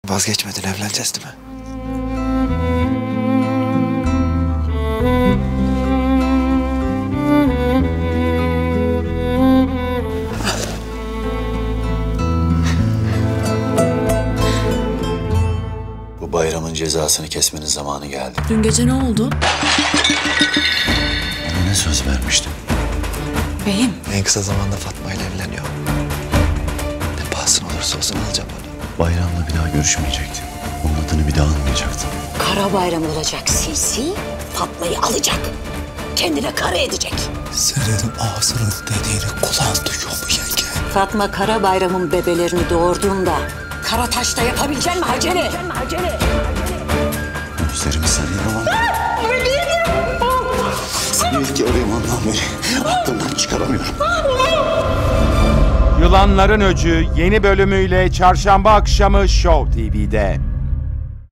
Vazgeçmedin, evleneceğiz değil mi? Bu bayramın cezasını kesmenin zamanı geldi. Dün gece ne oldu? Ona ne söz vermiştim? Beyim. En kısa zamanda Fatma ile evleniyor. Ne pahasına olursa olsun alacağım onu. Bayramla bir daha görüşmeyecektim. Onun adını bir daha anmayacaktım. Kara bayram olacak sinsi, Fatma'yı alacak. Kendine kara edecek. Senin ağzının dediğini kulağın duyuyor mu yenge? Fatma Kara Bayram'ın bebelerini doğurduğunda Karataş'ta yapabilecek mi Haceli? Gözlerimi sarayım ama... Seni ilk gördüğüm andan beri aklımdan çıkaramıyorum. Yılanların Öcü yeni bölümüyle çarşamba akşamı Show TV'de.